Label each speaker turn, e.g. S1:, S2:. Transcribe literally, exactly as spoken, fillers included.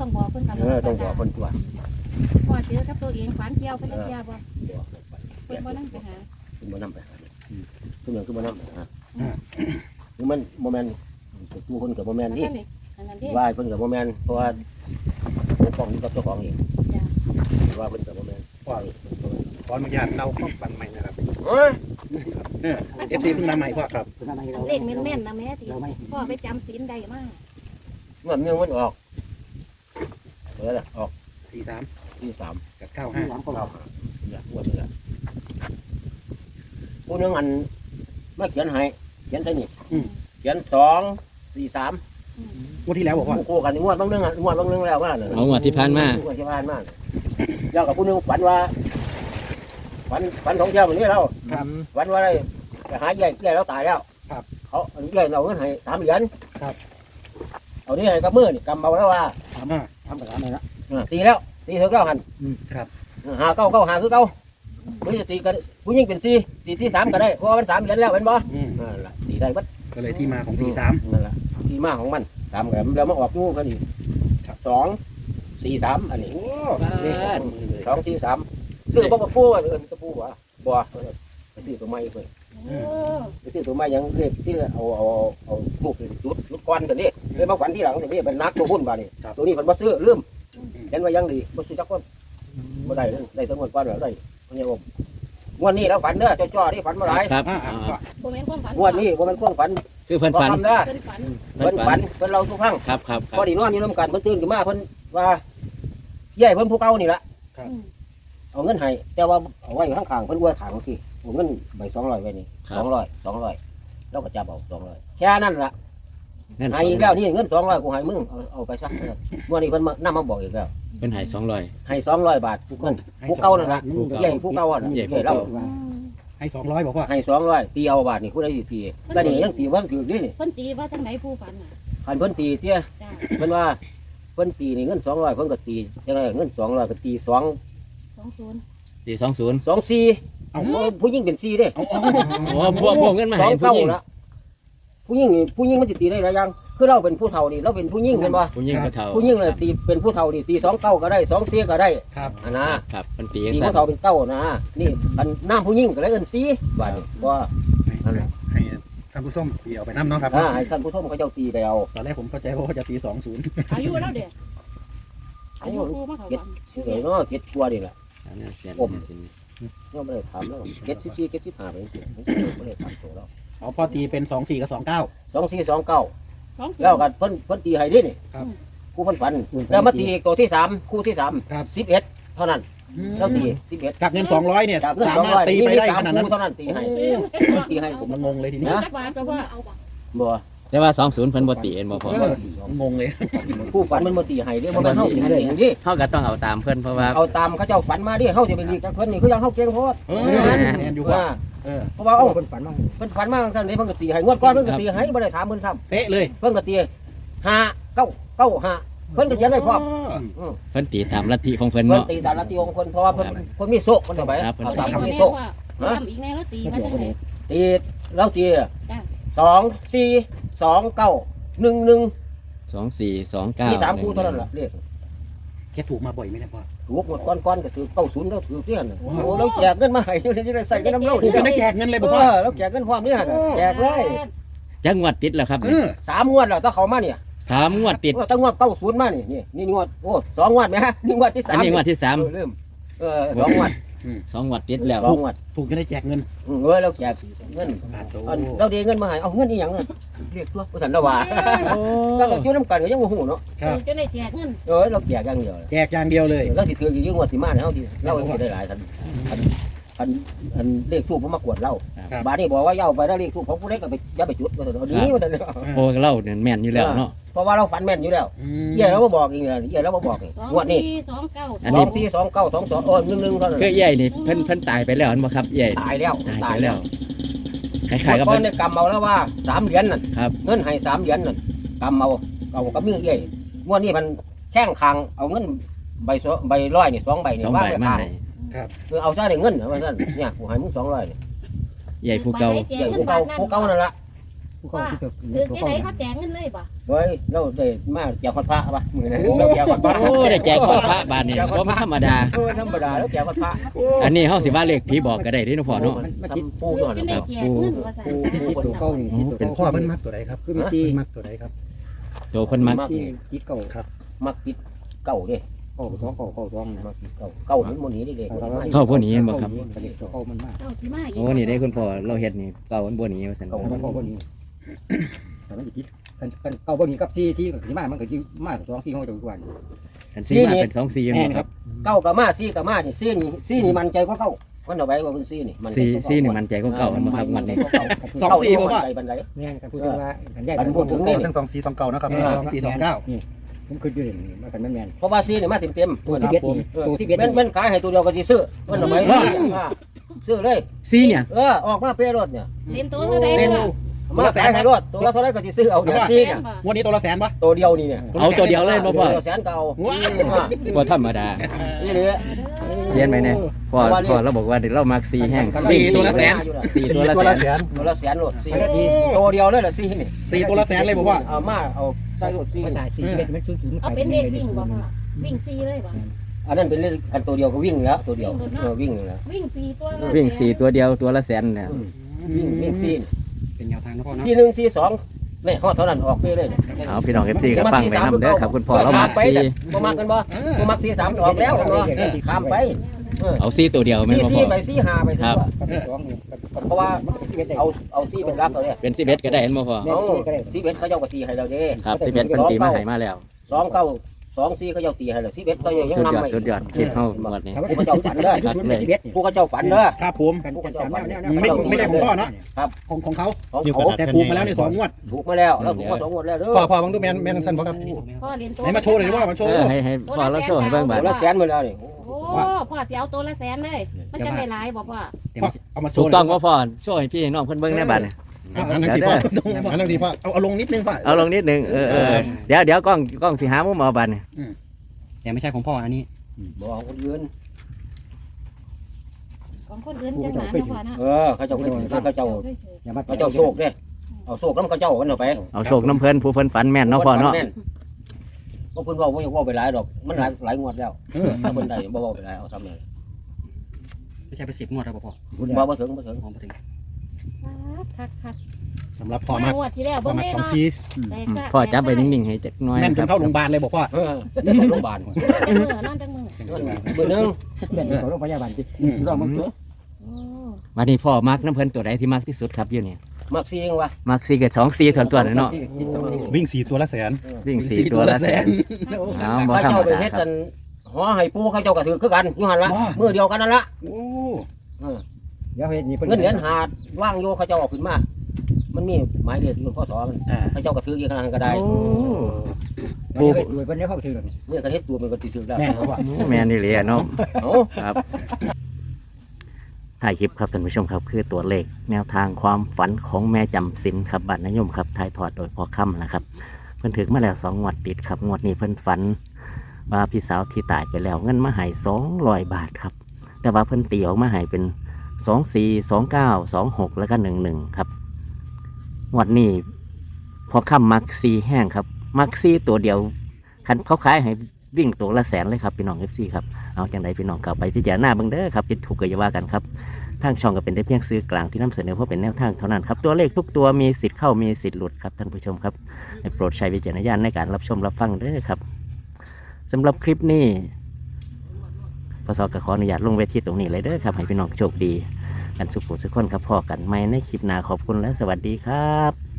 S1: ต้องบอกเพิ่นตลอด
S2: เออต้องบอกคนตัว
S1: พ่อเจอกับตัวเองฝันเกี่ยวไปแล้วเกี่ยวบ่
S2: บอกไป
S1: เพิ่นบ่นั่งไปหา
S2: คุณบ่นำไปหาทุกอย่างคือบ่นำไปหาคือมันโมเมนต์ตัวคนกับโมเมนต์นี่
S1: อันนั้นเด้
S2: ว่าเพิ่นกับโมเมนต์เพราะว่าปกป้องอยู่กับเจ้าของเองว่าเพิ่นกับโมเมนต์
S3: พ่อขออนุญาตเล่าความฝันใหม่นะครับ
S2: เฮ้ย
S3: เอฟซีเพิ่งมาใหม่พ่อครับ
S1: เลขแม่นๆนะแม่ที่พ่อไปจำศีลได้มาก
S2: เมื่อเมื่อมันออกเออออก
S3: สี่สาม
S2: ที่สาม
S3: กับเก้าห้า
S2: เราเนี่ยงวดนี้แหละผู้นึงอันมาเขียนให้เขียนใส่นี่เขียนสองสี่สาม
S3: งวดที่แล้วบอกว่า
S2: คู่กันงวดบางนึงอ่ะงวดบางนึงแล้วว่าเนี่ย
S4: เอางวดที่ผ่านมา
S2: งวดที่ผ่านมาเจ้ากับผู้นึงฝันว่าฝันฝันของเที่ยวแบบนี้เรา
S3: ครับ
S2: ฝันว่าอะไรไปหาใหญ่ใหญ่แล้วตายแล้ว
S3: ครับ
S2: เขาใหญ่เอาเงินให้สามเหรียญ
S3: ครับ
S2: เอานี่ให้กับมือนี่กำเอาแล้วว่า
S3: ทำมาทำกับร้านไหนละ
S2: ตีแล้วตีเถอะเก้าหัน
S3: ครับ
S2: หาเก้าเก้าหาคือเก้าหรือจะตีกันผู้หญิงเป็นสี่ตีสี่สามก็ได้เพราะว่ามันสามเหรียญแล้วเป็นบ่
S3: อืม
S2: นั่นแหละตีได้บัด
S3: ก็เลยที่มาของสี่สาม
S2: นั่นแหละที่มาของมันสามแบบแล้วมาออกงูกันอีกสองสี่สามอันนี้
S3: โอ้
S2: สองสี่สามซื้อบ่กับปูว่าเอิ้นกับปูว่าบ่ไปซื้อตัวใหม่เพิ่น
S1: โอ้
S2: ไปซื้อตัวใหม่ยังเลขที่เอาเอาเอาลูกจุดจุดก้อนกันนี่เลยมาฝันที่หลังนี่เป็นนักตัวหุ้นบ่นี่ตัวนี้เพิ่นบ่ซื้อลืมเห็นว่ายังดีบ่ซื้อจักคนบ่ได้ได้ทั้งหมดก้อนแล้วได้เพิ่นว่างวดนี้แล้วฝันเด้อจ้อๆนี่ฝันบ่หลาย
S4: ครับ
S3: อ่า
S4: อ่า
S3: พ่อ
S1: บ่แม่นความฝัน
S2: งวดนี้บ่แม่นความฝัน
S4: คือเพิ่นฝัน
S2: บ่คำเด้อ
S1: เพิ่นฝัน
S2: เพิ่นฝันเพิ่นเล่าทุกครั้ง
S4: ครับครับครั
S2: พอบ ดีนอนอยู่นำกันเพิ่นตื่นขึ้นมาเพิ่นว่าใหญ่เพิ่นผู้เก่านี่ล่ะ
S1: อืม
S2: เอาเงินให้แต่ว่าเอาไว้ข้างๆเพิ่นอวยขางสิเอาเงินใบสองร้อยไว้นี่สองร้อยสองร้อยแล้วก็จับเอาสองร้อยแค่นั้นล่ะ
S4: นั่น
S2: ให้อีกแล้วนี่เงินสองร้อยกูให้มึงเอาเอาไปซะเมื่อนี้เพิ่นมานำมาบอกอีกแล้ว
S4: เป็นใหายสองร้อย
S2: ให้สองร้อยบาทผู้เงินผู้เก่านั่นล่ะใหญ่ผู้เก่าอ่ะ
S4: ใหญ่
S2: ใหญ่เรา
S1: อืม
S3: ให้สองร้อยบอกว่า
S2: ให้สองร้อยตีเอาบาทนี่ผู้ใดสิตีแล้วนี่ยังตีบ่ถือนี่นี่
S1: เพิ่นตีว่าจังไหนผู้ฝันน่ะ
S2: คันเพิ่นตีเตี้ย
S1: จ้า
S2: เพิ่นว่าเพิ่นตีนี่เงินสองร้อยเพิ่นก็ตีจังไดเงินสองร้อยก็ตีสอง
S1: สองศูนย์
S4: สี่สองศูนย์
S2: สองสี่
S3: เอา
S2: ผู้หญิงเป็นสี่เด้
S3: เอาเอา
S4: โอ้พวกพวกเงินมา
S2: สอ
S4: ให้
S2: ง
S4: ผู้
S2: เก้า
S4: หญิง
S2: ละผู้หญิงนี่ผู้หญิงมันจะตีได้หลายอย่างคือเราเป็นผู้เฒ่านี่เราเป็นผู้หญิงเห็นป่ะ
S4: ผู้หญิงผู้เฒ่า
S2: ผู้หญิงเลยตีเป็นผู้เฒ่านี่ตีสองเก้าก็ได้สองสี่ก็ได้
S3: ครับ
S2: อันนะครับ
S4: เป็นปี
S2: ตี
S4: ครั
S2: ผู้เฒ่าเป็นเก้านะนี่อันน้ำผู้หญิงก็เลยเอินสี่บาทนี่ว่า
S3: ให้ท่านผู้ชมตีเอาไปน้ำเนาะครับ
S2: อ่าให้ท่านผู้ชมเขาเจ้าตีไปเอา
S3: ตอนแรกผมเข้าใจว่าจะตีสองศูนย์
S1: อายุแล้วเด้อายุผู้มาเขา
S2: เก็ด
S1: ฝัน
S2: เฉยเนาะเก็ดกลัวนี่แหละ
S4: อันนี้เขียน
S2: ผม เนาะไม่ได้ถามแล้วเก็ดสิบสี่เก็ดสิบห้าไปจริงๆไม่ได้ถามตัวเรา
S3: เอาพ่อตีเป็นสองสี่กับสองเก้า
S2: สองสี่สองเก้า
S1: สองศูนย์
S2: แล้วกันเพิ่นเพิ่นตีให้ดินี่
S3: ครับ
S2: คู่เพิ่นฝันแล้วมาตีตัวที่สามคู่ที่สาม
S3: ครับ
S2: สิบเอ็ดเท่านั้นแล้วตีสิบเอ็ด
S3: จากเงินสองร้อยเนี่ย
S2: จากเงิน
S3: สา
S2: สอง
S3: มาร
S2: ร้
S3: ถ
S2: อย
S3: ตี
S2: นี่
S3: ไป
S2: มี
S3: ได้
S2: สาม
S3: ขนาดนั้น
S2: คู่เท่านั้นตีให้ตีให้
S3: ผมมันงงเลยทีนี้
S1: จักบาทก็ว่าเอาบ่
S2: บ่
S4: แต่ว่าสองศูนย์เพิ่นบ่ตีเอ็นบ่พอ
S3: งงเลย
S2: คู่ฝันมันบ่ตีให้เด้บ่แม่นเฮาตีให้เองดิ
S4: เฮาก็ต้องเอาตามเพิ่นเพราะว่า
S2: เอาตามเขาเจ้าฝันมาดิเฮาสิไปลีกกับเพิ่นนี่คือยังเฮาเก่งโพด
S3: เออแอนอยู่
S2: ว่า
S3: ว่าเออ
S2: เพราะว่าเอ้าเพิ่นฝันมาเพิ่นฝันมาจังซั่นนี่เพิ่นก็ตีให้งวดก่อนเพิ่นก็ตีให้บ่ได้ถามเพิ่นซ้ำ
S3: เป๊ะเลย
S2: เพิ่นก็ตีห้าเก้าเก้าห้าเพิ่นก็เขียนไว้พร้อม
S3: อ๋อ
S4: เพิ่นตีตามลัทธิของเพิ่น
S2: เพิ่น
S4: เนาะ
S2: ตีตามหน้าที่ของเพิ่นเพราะว่าเพิ่นเพิ่นมีโชคเพิ่นเอาไป
S4: ครับเพิ่น
S2: เอา
S1: เอา
S2: ตาม
S1: ทำ
S2: เพิ่นมี
S1: แน่
S2: โชค
S1: ว่าทำอีกแน่แล้วตีมาจังไหน
S2: ตีแล้วตี
S1: จ้า
S2: สองสี่สองเก้าหนึ่งหนึ่ง
S4: สองสี่สองเก้า
S2: มีสามคู่เท่านั้นล่ะเลข
S3: แค่ถูกมาบ่อยไหมเนี่ยพ่อ
S2: ถูกหมดก้อนๆก็ถือเก้าศูนย์แล้วถือเที่ยนโอ้แล้วแจกเงินมาให้อยู่ที่ได้ใส่กันน้ำเล่า
S3: ถูกกันได้แจกเงินเลย
S2: เอ
S3: บอกพ่อ
S2: อแล้วแจกเงินพร้อมนี่ฮะแจกเลย
S4: จังหวัดติดแล้วครับ
S3: เออ
S2: สามงวดแล้วถ้าเขามาเนี่ย
S4: สามงวดติด
S2: เออตั้งงวดเก้าศูนย์มานี่นี่นี่งวดโอ้สองงวดไหมฮะนี่งวดที่สา
S4: อัน
S2: ม
S4: นี้งวดที่สาม
S2: เออลืมเออสองงวด
S4: สองงวดติดแล้ว
S2: สองงวด
S3: ถูกกันได้แจกเงิน
S2: อืมเออแล้วแจกเงิน
S3: บาทโต
S2: อันเราเดเงินมาให้เอาเงินอีหยังอะเรียกตัวผู้สันละว่า
S4: โอ้
S2: ถ้าเราอยู่น้ำกันก็ยังโมโหเนาะ
S3: ครับ
S1: จะได้แจกเงิน
S2: เออเราแจกอย่างเดียวเลย
S3: แจกอย่างเดียวเลย
S2: เราสิถืออยู่งวดสิมาเนี่ยเราสิเราสิได้หลายทันทันทันทันเลขทูบผมมากวดเรา
S3: ครับ
S2: บาดนี้บอกว่าอย่าเอาไปแล้วเลขทูบของผู้ใดก็ไปอย่าไปจุดว่าแต่เอาดีว่าแต่เนาะ
S4: โอ้เล่าเนี่ยแม่นอยู่แล้วเนาะ
S2: เพราะว่าเราฝันแม่นอยู่แล้ว
S3: อืม
S2: เย่เราบ่บอกอีกเลยเย่เราบ่บอกอีก
S1: สอง
S2: งวดนี้
S1: สี่สองเก้า
S4: อัน
S2: ส
S4: นี้
S2: องสี่สองเก้าสองสองโอ้หนึ่งหนึ่งเท่านั้น
S4: คือใหญ่นี่เพิ่นเพิ่นตายไปแล้วอันบ่ครับใหญ่
S2: ตายแล้ว
S4: ตายไปแล้วคล้ายๆกับ
S2: ก่อ
S4: เพิ่
S2: น
S4: น
S2: ในกำเอาแล้วว่าสามเหรียญนั่น
S4: ครับ
S2: เงินให้สามเหรียญนั่นกำเอาเอากับมือเย่งวดนี้มันแข้งคางเอาเงินใบสองใบร้อยนี่สองใบนี่
S4: สอง
S2: วาง
S4: ใบ
S2: ไว้
S4: มา
S2: ข้าง
S4: ให้
S2: คือเอาซะได้เงินว่าซั่นเนี่ยกูให้มึงสองร้อยนี่
S4: ใหญ่ผู้เก่า
S2: ใหญ่ผู้เก่าผู้เก่านั่นล่ะ
S5: ผู้เขาที่เกิด
S1: คือที่ไหนเขาแจกเงินเลยบ่
S2: เฮ้ยเราได้มาแจกคนพระป่ะมือนั้นเราแจกคนพระ
S4: โอ้ได้แจกของพระบาทนี่บ่ธรรมดา
S2: เออธรรมดาแล้วแจกคนพระ
S4: อันนี้เฮาสิว่าเลขผีบอกก็ได้เด้เนาะพ่อเนาะ
S5: มัน
S2: ซ้ำปู
S1: คือ
S2: ก่อน
S1: ที่ไหน
S2: ครับ
S1: แจกเงินว่าซั่น
S5: ที่ตัวเก่านี่ที่ตัว
S3: เป็น
S5: เก่า
S3: พ่อเพิ่นมักตัวใดครับ
S5: คือมีซี
S3: เพิ่นมักตัวใดครับ
S4: โตเพิ่นมัก
S5: ซีคิดเก่า
S2: มักติดเก่าเด้
S5: เก่าสองเก่าเก่าสองนะ
S2: มักติดเก่าเก่ามันโมนี้ได้เลย
S4: เข้าพวกนี้บ่ครับ
S5: เด็กตัวเก่ามันมาก
S1: เจ้าสิมาอีก
S4: โอ้นี่ได้คุณพ่อเราเฮ็ดนี่เก่ามันบ่หนีว่าซั่น
S5: เก่ามันเก่าคนนี้แต่มันคิดกันเก่าบนนี้กับซีที่ที่มามันก็ที่มาสองซีเขาจะทุกวัน
S4: อันซีมาเป็นสองซีบ่ครับ
S2: เก่ากับมาซี่กับมานี่ซี่นี่ซี่นี่มันใจกว่าเก่ามันเอาไว้ว่าเป็นซี่นี่
S4: ซีซีนี่มันใจก็เก่ามันบ่ครับมันนี่
S3: สองสี่บ่พ่อ
S2: ใจบันได
S5: นี่ครับพูดถึงว่ากันแยก
S3: ทั้งสองสีสองเก่านะครับ
S5: สองสี่สองเก้านี่ผมคือยืนมากันแม่น
S2: เพราะว่าซี่นี่มาเต็มเต็ม
S5: ตัวที่เบ็ดตัวที่เบ็ด
S2: เป็นเป็นขายให้ตัวเดียวก็สิซื้อมันเอาไว้ซื้อเลย
S4: ซีเนี่ย
S2: เออออกมาเป้รถเนี่ย
S1: เล่นตัวเท่าใด
S2: เป็น
S1: บ่
S2: มาขายให้รถตัวละเท่าไรก็สิซื้อเอาเนี่ยซี่เนี่ย
S3: วันนี้ตัวละแสนปะ
S2: ตัวเดียวนี่เนี่ย
S4: เอาตัวเดียวเลยบ่พ่อ
S2: แสนเก่า
S4: บ่ธรรมดา
S2: นี่เลย
S4: เรียนไหมเนี่ยพ่อพ่อเราบอกว่าเดี๋ยวเรามักซีแห้ง
S3: สี่ตัวละแสน
S4: สี่
S3: สี่
S4: ตัวละ
S3: ตัว
S4: แส
S3: ละ
S4: น
S3: แสน
S2: ตัวละแสนรถซี่ตัวเดียวเลยเหรอซี่นี่
S3: สี่ตัวละแสนเลยบอกว่า
S2: เอามาเอาใส่รถซี่
S5: มันตายซีเบ็ดมันชุนชุน
S1: เอาเป็นเด็กวิ่งบ่พ่อวิ่งซีเลยบ่
S2: อันนั้นเป็นเล่นกันตัวเดียวก็วิ่งแล้วตัวเดียวเออวิ่งแล้ว
S1: วิ่งซีตัวเลย
S4: วิ่งสี่ตัวเดียวตัวละแสนเนี่ย
S2: วิ่งวิ่งซี่
S5: เป็นแนวทางนะพ่อเนาะ
S2: ซี่หนึ่งซี่สองนี่ฮอดเท่านั้นออกไปเลย
S4: เอาพี่น้องเอฟซีก็ฟังไปนำเด้อครับคุณพ่อเรามัก
S2: ไป
S4: ซี
S2: บ่มักกันบ่บ่มักซี่สามออกแล้วเนาะข้ามไปเออ
S4: เอาซีตัวเดียวไม่
S2: ซี่
S4: พอ
S2: ซี่ไปซี่ห้าไปเพราะว่า
S5: เอา
S2: เอาเอาซี่เป็นรักเอาเนี่ย
S4: เป็นสิบเอ็ดก็ได้เห็นบ่พ่อ
S2: เอาซี่เบ็ดเขาเจ้าก็ตีให้เราเด้
S4: ครับสิบเอ็ดเป็นตีมาให้มาแล้ว
S2: สองเก้าสองซี่เขาเจ้าตีให้เราซี่เบ็ดเขายัง
S4: สุด
S2: นำ
S4: ยอด
S2: ไป
S4: สุดยอดคิดเข้าหมดนี่
S2: ผู้เขาเจ้าฝันเด้อ
S4: ครับเลย
S2: ผู้เขาเจ้าฝันเด้อ
S3: ครับผม
S5: กันกัน
S3: ไม่ไม่ได้ของพ่อเนาะ
S2: ครับ
S3: ของของเขา
S2: ของเขา
S3: แต่ถูกมาแล้วในสองงวด
S2: ถูกมาแล้วแล้วถูกมาสองงวดแล้วเด้อ
S3: พ่อพ่อบังดูแมนแมนทันพ่อครับ
S1: พ่อเล่นตัว
S3: ไหนมาโชว์หน่อยดิว่ามาโชว์
S4: เออให้ให้พ่อเราโชว์ให้เบิ่งบาด
S2: ตัวละแสนมาแล้วนี่
S1: โอ้พ่อสิเอาตัวละแสนเลย มันจะได้หลายบ่พ่อ
S3: พ่อเอามาโช
S4: ถู
S3: ว์
S4: กต้องบ่พ่อโชว์ให้พี่น้องเพิ่นเบิ่งในบาดนี่
S3: อันนั้นสิพ่ออันนั้นสิพ่อเอาเอาลงนิดนึงพ่อ
S4: เอาลงนิดนึงเออเออเดี๋ยวเดี๋ยวกล้องกล้องสิหามุมเอาบาดนี่
S5: แต่ไม่ใช่ของพ่ออันนี้
S2: บ่เอาคนอื่น
S1: ของคนอื่นจังหวะนะพ่อนะ
S2: เออเขาเจ้าเคยถือเขาเจ้า
S5: อย่ามา
S2: เขาเจ้าโชคเด้เอาโชคน้ำเขาเจ้าวันเอาไป
S4: เอาโชคน้ำเพิ่นผู้เพิ่นฝันแม่นเนาะพ่อเนาะ
S2: ก็เพิ่นเว้าบ่อยากเว้าไปหลายดอกมันหลายหลายงวดแล้วถ้าเพิ่นได้บ่เว้าไปหลายเอาซ้ำเลย
S5: ไม่ใช่ไปสิบงวดแล้วพ่อ
S2: บ่บ่ถึงบ่ถึง
S5: ผมมาถึง
S1: คักคัก
S3: สำหรับพ่อมาก
S1: งวดที่แล้ว
S3: พ่อ
S1: เบิ่ง
S3: มาก
S1: ได้
S3: สอง
S1: เนาะ
S3: ซี
S4: พ่อจับไปนิ่งๆให้จักหน่อย
S3: แม่นจ
S4: ครั
S3: น
S4: บ
S3: เข้าโรงพยาบาลเลยบอกพ่อ
S2: เออโรงพยาบาล
S1: จังมือนอนจังมือ
S2: มื้อนึง
S5: เป็นของโรงพยาบาลที่รอมันเถอะ
S1: โอ้
S4: วันนี้พ่อมักน้ำเพิ่นตัวใดที่มักที่สุดครับอยู่นี่
S2: มักซีเองวะ
S4: มักสี่กับสองสี่ส่วนตัวเนาะ
S3: วิ่งสี่ตัวละแสน
S4: วิ่งสี่ตัวละแสนเอาบ่
S2: เขา
S4: ธรรม
S2: เจ้าไป
S4: ดา
S2: เฮ็ด
S4: ค
S2: กั
S4: รับ
S2: นหอให้ปูเขาเจ้าก็ถือคือกันอยู่หั่นละมื้อเดียวกันนั่นละ
S3: โอ้
S5: เดี๋ยวเฮ็ดนี่
S2: เงินเหรียญหาดว่างโยเขาเจ้าเอาขึ้นมามันมีหมายเลขที่พ่อสอมันเขาเจ้าก็ถืออีกขนาดก็ได้
S4: โอ้
S5: ปูรวยคนนี้เข้าถือ
S2: เมื่อกระเฮ็ดตัวมันก็สิถือได้
S5: แม่เขาว่า
S4: แม่นี่เลยอะเนาะ
S2: เอ้า
S4: ครับถ่ายคลิปครับท่านผู้ชมครับคือตัวเลขแนวทางความฝันของแม่จำศีลครับบัตรนยมครับถ่ายทอดโดยพ่อค่ำนะครับ เพิ่นถึงมาแล้วสองงวดติดครับงวดนี้เพิ่นฝันว่าพี่สาวที่ตายไปแล้วเงินมาให้สองร้อยบาทครับ แต่ว่าเพิ่นตีออกมาให้เป็นสองสี่สองเก้าสองหกแล้วก็หนึ่งหนึ่งครับงวดนี้พอค่ำมักซีแห้งครับ มักซีตัวเดียวคันเขาขายให้วิ่งตัวละแสนเลยครับพี่น้องเอฟซีครับเอาจังไดพี่น้องกลับไปพิจารณาเบิ่งเด้อครับผิดถูกก็อย่าว่ากันครับทางช่องก็เป็นได้เพียงซื้อกลางที่นำเสนอเพราะเป็นแนวทางเท่านั้นครับตัวเลขทุกตัวมีสิทธิ์เข้ามีสิทธิ์หลุดครับท่านผู้ชมครับให้โปรดใช้วิจารณญาณในการรับชมรับฟังเด้อครับสำหรับคลิปนี้พศก็ขออนุญาตลงเวทีตรงนี้เลยเด้อครับให้พี่น้องโชคดีกันสุขสุขคนครับพอกันไหมในคลิปหน้าขอบคุณและสวัสดีครับ